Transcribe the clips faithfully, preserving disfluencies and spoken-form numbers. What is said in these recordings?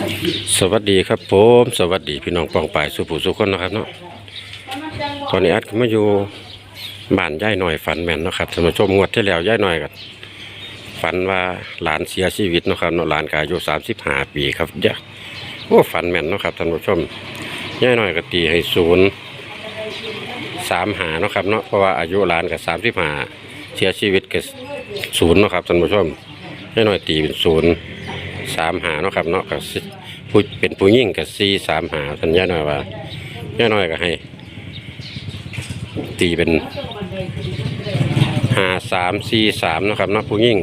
สวัสดีครับผมสวัสดีพี่น้องปองปายสุผู้สุคนนะครับเนาะตอนนี้อัดมาอยู่บ้านย่ายหน่อยฝันแม่นเนาะครับท่านผู้ชมงวดที่แล้วย่ายหน่อยกันฝันว่าหลานเสียชีวิตเนาะครับเนาะหลานกอายุสามสิบห้าปีครับเยอะโอ้ฝันแม่นเนาะครับท่านผู้ชมย่ายหน่อยก็ตีให้ศูนย์สามหาเนาะครับเนาะเพราะว่าอายุหลานกับสามสิบห้าเสียชีวิตกับศูนย์เนาะครับท่านผู้ชมย่ายหน่อยตีเป็นศูนย์สามหาเนาะครับเนาะกับผู้เป็นผู้ยิ่งกับสี่สามหาท่านย่าน้อยว่าย่าน้อยก็ให้ตีเป็นหาสามสี่สามเนาะครับเนาะผู้ยิ่ง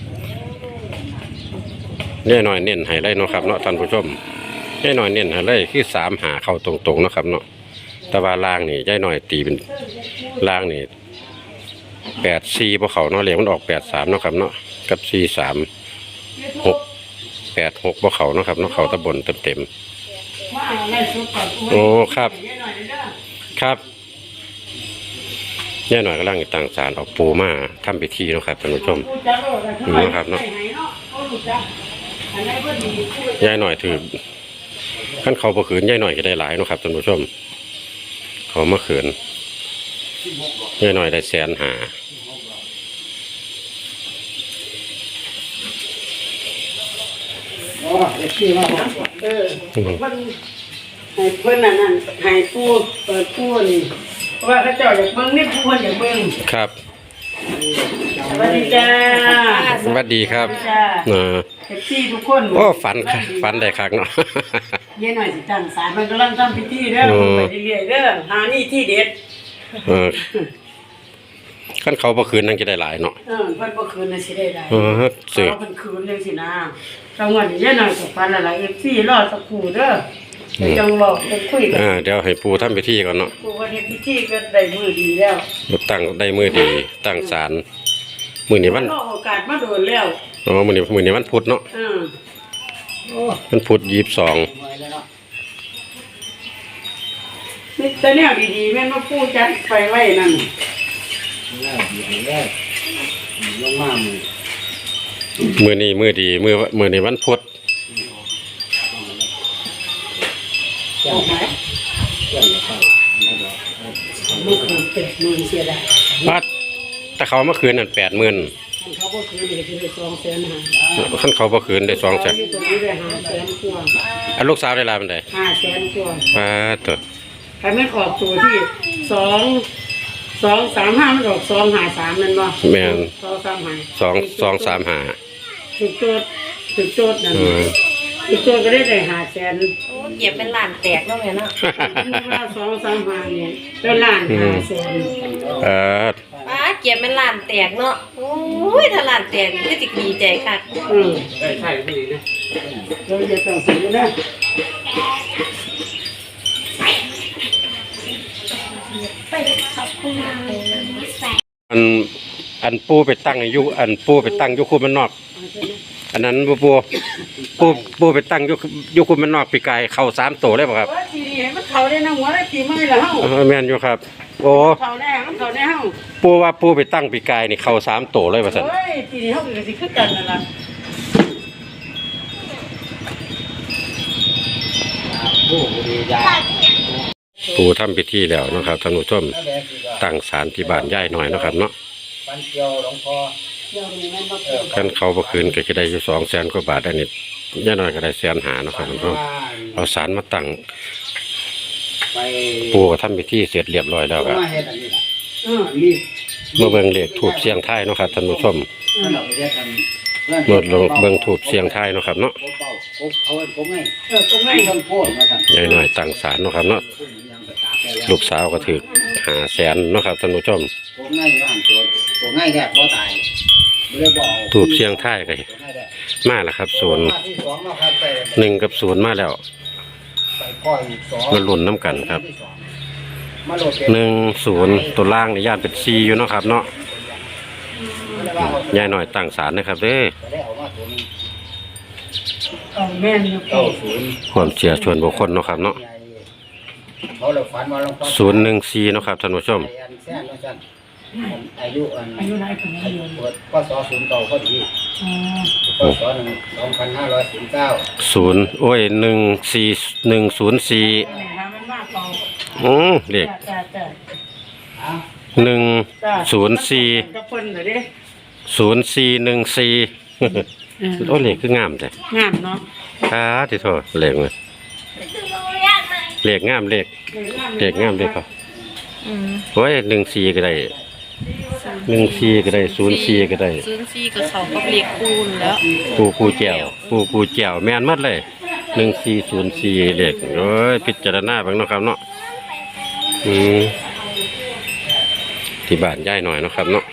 ย่าน้อยเน้นให้ได้เนาะครับเนาะท่านผู้ชมย่าน้อยเน้นให้ได้คือสามหาเข้าตรงๆเนาะครับเนาะแต่ว่าล่างนี่ย่าน้อยตีเป็นล่างนี่แปดสี่พวกเขาเนาะเหลี่ยมมันออกแปดสามเนาะครับเนาะกับสี่สามหกแปดหกบ่เขาเนาะครับเนาะเขาตะบนเต็มเต็มโอ้ครับครับย่าหน่อยกำลังตั้งศาลเอาปูมาทำพิธีเนาะครับท่านผู้ชมนี่นะครับเนาะย่าหน่อยถือขั้นเขาประขืนย่าหน่อยก็ได้หลายเนาะครับท่านผู้ชมเขามาขืนย่าหน่อยได้แสนหาเออเพิ่นให้เพิ่นนั่นนั่นให้ปูเปิดปูนี่เพราะว่าเขาเจ้าอยากเบิ่งนี่ปูเพิ่นอยากเบิ่งครับสวัสดีจ้าสวัสดีครับเออเอฟซีทุกคนโอ้ฝันฝันได้คักเนาะเย็นหน่อยสิตั้งศาลมันกำลังทำพิธีเด้อไปเรื่อยๆเด้อหานี่ที่เด็ดเออขั้นเขาบ่คืนนั่งจะได้หลายเนาะเออเพิ่นบ่คืนน่ะสิได้หลายเออเสือเพิ่นคืนจังซี่นะจังหวะนี้เย็นหน่อยก็ฝันหลายๆ เอฟ ซี รอสักครู่เด้อจังเว้าจังคุยกันอ่าเดี๋ยวให้ปู่ทำพิธีก่อนเนาะปู่ว่าเฮ็ดพิธีก็ได้มื้อดีแล้วตั้งได้มื้อดีตั้งศาลมื้อนี้วันรอโอกาสมาโดนแล้วอ๋อมื้อนี้มื้อนี้วันพุธเนาะเออโอ้วันพุธยี่สิบสองนี่แต่แนวดีๆแม่นว่าปู่จัดไปไว้นั่นมื้อนี้มื้อดีมื้อมื้อนี้วันพุธลูกคนแปดหมื่นเสียดายปัดแต่เขาเมื่อคืนนั่นแปดหมื่นเขาก็คืนได้ได้สองแสนห้าขั้นเขาเมื่อคืนได้สองแสนตรงนี้ได้ห้าแสนกว่าอันลูกสาวได้ลาเป็นไงห้าแสนกว่าปัดตัวใครไม่ออกตัวที่สองสองสามห้ามันออกสองหาสามนั่นบ่แม่นสองสามหาสองสองสามหาถึกโจทย์ถึกโจทย์นั่นถึกโจทย์ก็ได้ได้ห้าแสนโอ้เก็บเป็นล้านแตกแล้วแม่เนาะว่าสองสามหาเนี่ยเป็นล้านห้าแสนเออป้าเก็บเป็นล้านแตกเนาะโอ้ยถ้าล้านแตกก็จะดีใจค่ะอืมได้ใช่ดีนะเราจะต้องซื้อนะอันอันปูไปตั้งอยู่อันปูไปตั้งอยู่คุมันนอกอันนั้นปูปูปูปูไปตั้งอยู่อยู่คุมันนอกปีกายเข่าสามตัวเลยป่ะครับทีนี้มันเข่าได้นะหัวได้ปีไม่ละเฮ้าแม่นอยู่ครับโอ้เข่าแน่มันเข่าแน่เฮ้าปูว่าปูไปตั้งปีกายนี่เข่าสามตัวเลยป่ะสันเฮ้ยทีนี้เฮ้าก็สิขึ้นกันนั่นล่ะปูทำพิธีแล้วนะครับท่านผู้ชมตั้งศาลที่บ้านย่ายหน่อยนะครับเนาะขั้นเขาเมื่อคืนก็จะได้อยู่สองแสนกว่าบาทอันนี้ย่ายหน่อยก็ได้แสนหานะครับท่านผู้ชมเอาศาลมาตั้งปูก็ทำพิธีเสร็จเรียบร้อยแล้วครับเมื่อเบิ่งเลขถูกเสียงไทายนะครับท่านผู้ชมเมื่อลงเบิ่งถูกเสียงไทายนะครับเนาะย่ายหน่อยตั้งศาลนะครับเนาะลูกสาวก็ถือหาแสนนะครับท่านผู้ชมถูกเสียงไทายกันมาแล้วครับศูนย์หนึ่งกับศูนย์มาแล้วมาหล่นน้ำกันครับหนึ่งศูนย์ตัวล่างในย่านเป็นซีอยู่นะครับเนาะย่ายหน่อยตั้งศาลนะครับเด้อความเชื่อชวนบุคคลเนาะครับเนาะศูนย์หนึ่งสี่เนาะครับท่านผู้ชมอายุอันอายุไหนเป็นอายุเปิดพศศูนย์เก้าพอดีอ๋อพศหนึ่งสองพันห้าร้อยสี่สิบเก้าศูนย์โอ้ยหนึ่งสี่หนึ่งศูนย์สี่นี่นะมันมากเปล่าอืมเลขจ้าจ้าหนึ่งจ้าศูนย์สี่กับเพิ่นเหรอเด้ศูนย์สี่หนึ่งสี่เออโอ้เลขคืองามแต่งามเนาะอ่าที่โทษเลขเลยเลขงามเลขเลขงามเลขครับอืมโอ้ยหนึ่งสี่ก็ได้หนึ่งสี่ก็ได้ศูนย์สี่ก็ได้ศูนย์สี่กับเขากับเลขคูณแล้วปูปูแก้วปูปูแก้วแม่นหมัดเลยหนึ่งสี่ศูนย์สี่เลขโอ้ยพิจารณาเบ้างเนาะครับเนาะอืมที่บ้านย่ายหน่อยเนาะครับเนาะ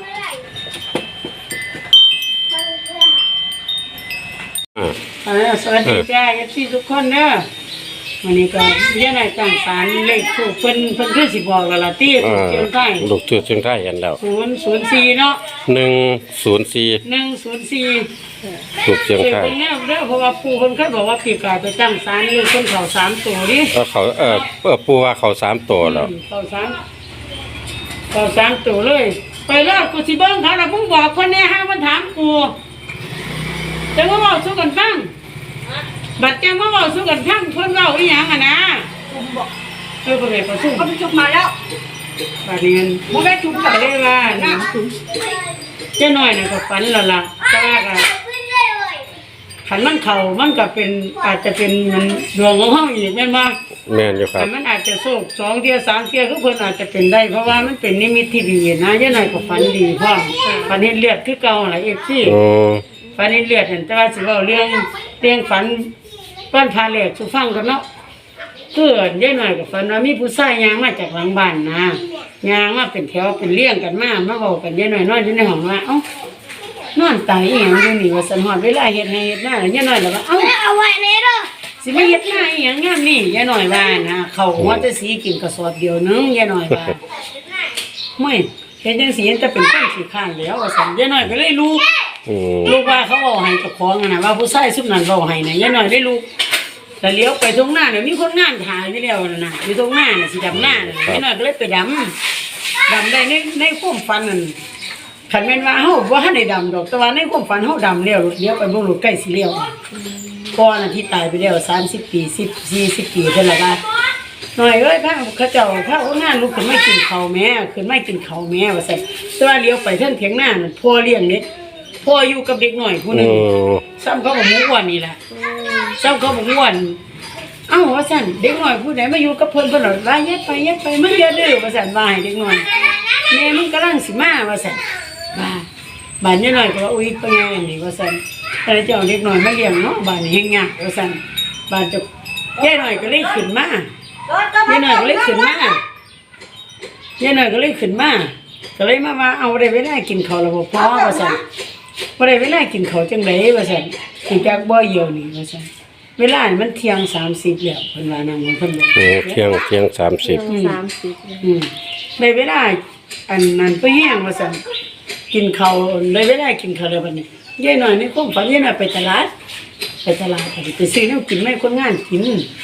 อ่าเออสวัสดีจ้าเอฟซีทุกคนเด้อวันนี้ก็เรียนให้ตั้งศาลเลขถูกเพิ่นเพิ่นคือสิบอกแล้วล่ะที่อ่าเชียงใต้ลูกตัวเชียงไทยกันแล้วศูนย์ศูนย์สี่เนาะหนึ่งศูนย์สี่หนึ่งศูนย์สี่ลูกเชียงเสียไทยเป็นแนวเด้อเพราะว่าปู่เพิ่นเคยบอกว่าปีกายไปตั้งศาลเลขเพิ่นเข้าสามตัวดิเออเขาเออเออปูว่าเขาสามตัวแล้วเข้าสามเข้าสามตัวเลย ไปแล้วกูสิเบิ่งเขาน่ะเพิ่งบอกเพิ่นแน่ห้ามันถามกูจะมาบอกสู้กันฟังบัดแจ้งมาบอกสู้กันฟังเพิ่นเว้าอีหยังอ่ะนะเออเพิ่นไปประชุมเขาไปจุกมาแล้วบาดนี้มันบ่ได้จุดไปเลยว่านะเจ้าน้อยน่ะก็ฝันแล้วล่ะแต่ว่าก็ขันมันเข้ามันก็เป็นอาจจะเป็นมันดวงของเฮาอีกแม่นบ่แม่นอยู่ครัแต่บมันอาจจะโชคสองเที่ยสามเที่ยคือเพิ่นอาจจะเป็นได้เพราะว่ามันเป็นนิมิตที่ดีนะเจ้าน้อยก็ฝันดีพร้อมฝันเห็นเลือดคือเก่าล่ะ เอฟ ซีโอ้ฝันเห็นเลือดนั่นแต่ว่าสิเว้าเรื่องเรื่องฝันก้อนพาแหลกสู่ฟังกันเนาะ เกิดได้หน่อยกับฝันว่ามีผู้ชายยางมาจากหลังบ้านนะยางมาเป็นแถวเป็นเลี้ยงกันมามาบอกกันได้หน่อยนอนอยู่ในห้องว่าเอ้านอนตายอีหยังอยู่นี่ว่าสันหอดเวลาเฮ็ดให้เฮ็ดหน้าแล้วยายหน่อยแล้วว่าเอ้าเอาไว้เลยเด้อสิมาเฮ็ดหน้าอีหยังงามนี่ยายหน่อยว่านะเขาหัวแต่สีกินกระสอบเดียวนึงยายหน่อยว่าไม่เฮ็ดจังซี่จะเป็นคนขี้ข้านแล้วว่าซั่นยายหน่อยก็เลยลูกอืมลูกว่าเขาเอาให้เจ้าของอะนะว่าผู้ชายซุมนั้นเอาให้น่ะยายหน่อยได้ลูก แต่เลี้ยวไปตรงหน้าเนี่ยมีคนงานถ่ายอยู่แล้วนะนะอยู่ตรงหน้าน่ะสิดำหน้าน่ะนี่น่อยก็เลยไปดำดำได้ในในความฝันนั่นขันแม่นว่าเฮาบ่ทันได้ดำดอกแต่ว่าในความฝันเฮาดำแล้วเลี้ยวไปบ่รู้ใกล้สิเลี้ยวก่อนน่ะที่ตายไปแล้วสามสิบปีสิบ สี่สิบปีเท่าไหร่ว่าหน่อยเอ้ยพาเขาเจ้าพาคนงานลุกขึ้นมากินข้าวแม่ขึ้นมากินข้าวแม่ว่าซั่นแต่ว่าเลี้ยวไปเทิงเถียงหน้านั่นพ่อเลี้ยงเด็กพ่ออยู่กับเด็กน้อยผู้หนึโอ้งซ้ำเขาบ่ฮู้ว่านี่ล่ะ เจ้าเขาบอกว่าเอ้าว่าสั่นเด็กน้อยผู้ใดมาอยู่กับเพิ่นเพิ่นหรอว่ายัดไปยัดไปมึงอย่าดื้อว่าสั่นว่าให้เด็กน้อยแม่มึงกำลังสิมาว่าสั่นว่าบ้านนี้น้อยก็ว่าอุ้ยเป็นไงนี่ว่าสั่นแต่เจ้าเด็กน้อยมาเลี้ยงเนาะบ้านนี้เฮงยากว่าสั่นบ้านเจ้าแย่น้อยก็เลยขึ้นมาแย่น้อยก็เลยขึ้นมาแย่น้อยก็เลยขึ้นมาก็เลยมาว่าเอาได้เวลากินข้าวแล้วบ่พอว่าสั่นบ่ได้เวลากินข้าวจังได๋ว่าสั่นสิจักบ่เหี่ยวนี่ว่าสั่นเวลานี่มันเที่ยงสามสิบแล้วเพิ่นว่านั่งเพิ่นบอกโอ้เที่ยงเที่ยงสามสิบสามสิบอืมได้เวลาอันนั้นไปแห้งว่าซั่นกินข้าวได้เวลากินข้าวแล้วบัดนี้ยายน้อยในความฝันยายน้อยไปตลาดไปตลาดไปไปซื้อแนวกินให้คนงานกิน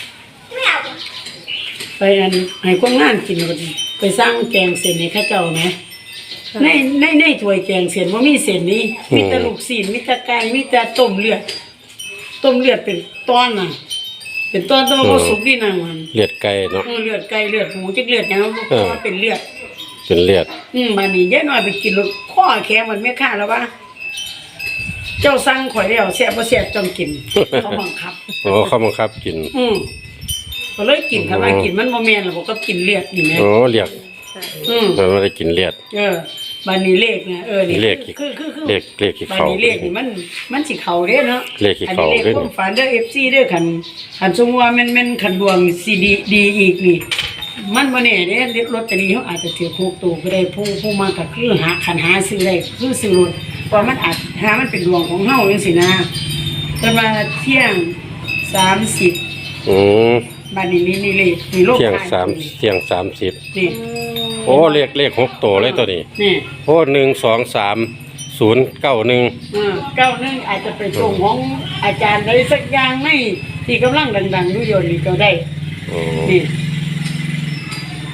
ไปอันให้คนงานกินบัดนี้ไปสร้างแกงเส้นให้เขาเจ้าแหมในในในถ้วยแกงเส้นบ่มีเส้นนี้มีแต่ลูกชิ้นมีแต่ไก่มีแต่ต้มเลือดต้มเลือดเป็นตอนน่ะเป็นตอนแต้องบ่สุกดีนั่งมันเลือดไก่เนาะเออเลือดไก่เลือดหมูจักเลือดหยังเพราะว่าเป็นเลือดเป็นเลือดอืมบัดนี้ยายน้อยไปกินรถข้อแข็งมันไม่ค่าแล้วว่าเจ้าสั่งข่อยแล้วแซ่บบ่แซ่บต้องกินเขาบังคับโอ้เขาบังคับกินอืมก็เลยกินคันว่ากินมันบ่แม่นแล้วบ่ก็กินเลือดนี่แหมโอ้เรียกอืมมันไม่ได้กินเลือดเออบัดนี้เลขเนี่ยเออนี่เลขคือคือคือเลขเลขที่บัดเขานี้เลขนี่มันมันสิเข้าเด้เนาะเลขที่อันเขานี้เลขเด้อความฝันเด้อ เอฟ ซี เด้อคันคันสมมุติว่ามันมันคันดวงสิดีดีอีกนี่ มันบ่แน่เด้ลอตเตอรี่เขาอาจจะถือหกตัวก็ได้ผู้ผู้มาก็คือหาคันหาซื้อได้คือซื้อรถเพราะมันอาจหามันเป็นดวงของเฮาจังซี่นะเพิ่นว่าเที่ยงสามสิบอืมบัดนี้นี่นี่เลขนี่โลกเที่ยงท้สามเที่ยงสามสิบนี่โอ้เลขเลขหกตัวเลยตัวนี้นี่โอ้หนึ่งสองสามศูนย์เก้าหนึ่งเออเก้าหนึงอาจจะเป็นตรงของอาจารย์ใดสักอย่างในที่กำลังดังๆอยู่เดี๋ยวนี้ก็ได้โอ้นี่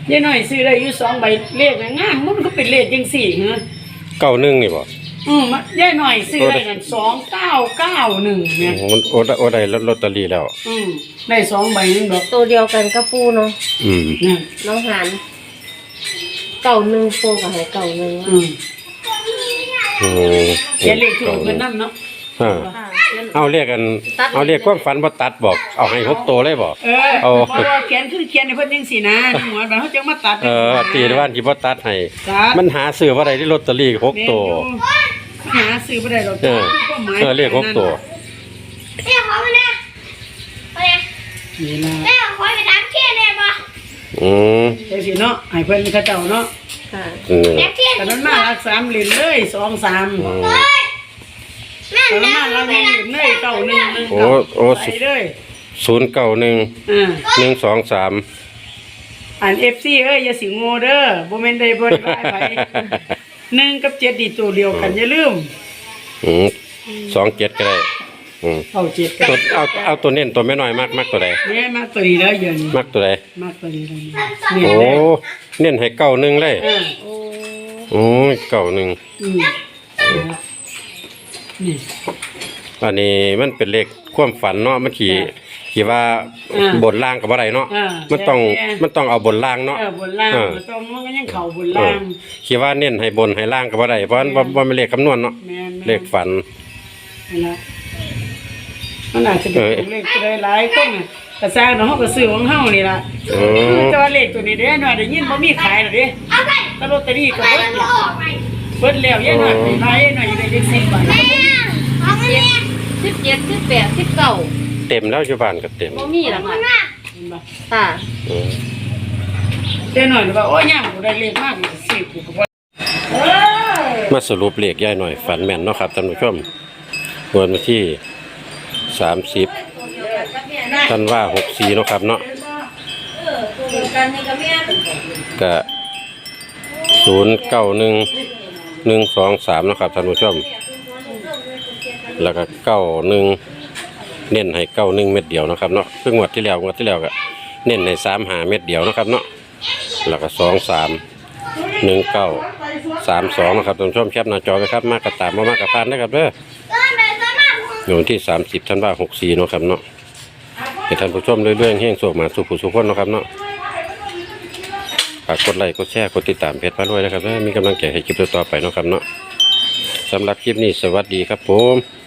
ยายหน่อยซื้อได้อยู่สองใบเลขน่ะงามมันก็เป็นเลขจังสี่เหรอเก้าหนึ่งนี่บ่อืมยายหน่อยซื้อได้นั่นสองเก้าเก้าหนึ่งเนี่ยโอ้โอ้ได้โอ้ได้ลอตเตอรี่แล้วอืมได้สองใบนึงดอกตัวเดียวกันกับปูเนาะอืมนั่นน้องหันเก่าหนึ่งปูกับให้เก่าหนึ่งอืมโอ้เขียนเลขถูกเพิ่นนำเนาะอ่าค่ะเอาเรียกกัน เอาเรียกความฝันบ่ตัดบอก เอาให้หกตัวเลยบ่เออเอาเพราะว่าเขียนคือเขียนให้เพิ่นจังสี่นะหัวมันเขาจะมาตัดเออตีว่านที่บ่ตัดให้ตัดมันหาซื้อบ่ได้ที่ลอตเตอรี่หกตัวหาซื้อบ่ได้ดอกเออเออเรียกหกตัวแม่ขอมานะไปเลยนี่ล่ะแม่ขอไปถามเที่ยนได้ปะอืมจังซี่เนาะให้เพิ่นเขาเจ้าเนาะค่ะอืมแม่เที่ยนแต่มันมารักสามเหรียญเลยสองสามอืมเฮ้ยแม่แต่มันแม่มารักหนึ่งเหรียญเลยเก้าหนึ่งหนึ่งโอ้โอ้ใส่เลยศูนย์เก้าหนึ่งอ่าหนึ่งสองสามอ่าน เอฟ ซี เอ้ยอย่าสิงโง่เด้อบ่แม่นได้บ่ได้ไปหนึ่งกับเจ็ดนี่ตัวเดียวกันอย่าลืมอืมสองเจ็ดก็ได้อืมเอาเจ็ดกันตัวเอาเอาตัวเน้นตัวไม่น้อยมากมากตัวใดแม่มาตัวนี้แล้วเดี๋ยวนี้มากตัวใดมาตัวนี้แล้วนี่โอ้เน้นให้เก้าหนึ่งเลยอ่าโอ้โอ้ยเก้าหนึ่งอืมนี่อันนี้มันเป็นเลขความฝันเนาะมันขี่ขี่ว่าอ่าบนล่างกับอะไรเนาะอ่ามันต้องแย่มันต้องเอาบนล่างเนาะเออบนล่างเออมันต้องมันก็ยังเข้าบนเอล่าอง ขี่ว่าเน้นให้บนให้ล่างกับอะไรเพราะมันว่ามันเลขคำนวณเนาะแม่นๆเลขฝันนี่ล่ะมันอาจจะเป็นเลขตัวใดหลายคนน่ะก็สร้างเนาะเฮาก็ซื้อของเฮานี่ล่ะอืมแต่ว่าเลขตัวนี้เด้หน่อยได้ยินบ่มีขายหรอกเด้เอาไปแต่ลอตเตอรี่ก็ไปเบิดแล้วแล้วออกไปเบิดแล้วยายหน่อยไปขายยายหน่อยได้จักสิบบาทแม่ขอมาเนี่ยสิบเจ็ดสิบแปดสิบเก้าเต็มแล้วอยู่บ้านก็เต็มบ่มีหรอกขอบค่ะคุณมากเห็นบ่ค่ะอืมยายหน่อยว่าโอ้ยยามกูได้เลขมากกูสิซื้อกูก็บ่เออมาสรุปเลขย่ายหน่อยฝันแม่นเนาะครับท่านผู้ชมวันที่สามสิบท่านว่าหกสี่เนาะครับเนาะกันนี่ก็แม่ก็ศูนย์เก้าหนึ่งหนึ่งสองสามนะครับท่านผู้ชม แล้วก็เก้าหนึ่งเน้นให้เก้าหนึ่งเม็ดเดียวนะครับเนาะคืองวดที่แล้วงวดที่แล้วก็เน้นให้สามหาเม็ดเดียวนะครับเนาะแล้วก็สองสามหนึ่งเก้าสามสองนะครับท่านผู้ชมแคปหน้าจอไว้ครับมากกระตามมามากกระพานนะครับเด้อเออแม่สามารถในวันที่สามสิบธันวาคมหกสี่เนาะครับเนาะให้ท่านผู้ชมเรื่อยๆแห้งโศกมาสุขผู้สุขคนเนาะครับเนาะฝากกดไลค์กดแชร์กดติดตามเพจพระรวยนะครับเด้อมีกำลังใจให้คลิปต่อๆไปเนาะครับเนาะสำหรับคลิปนี้สวัสดีครับผม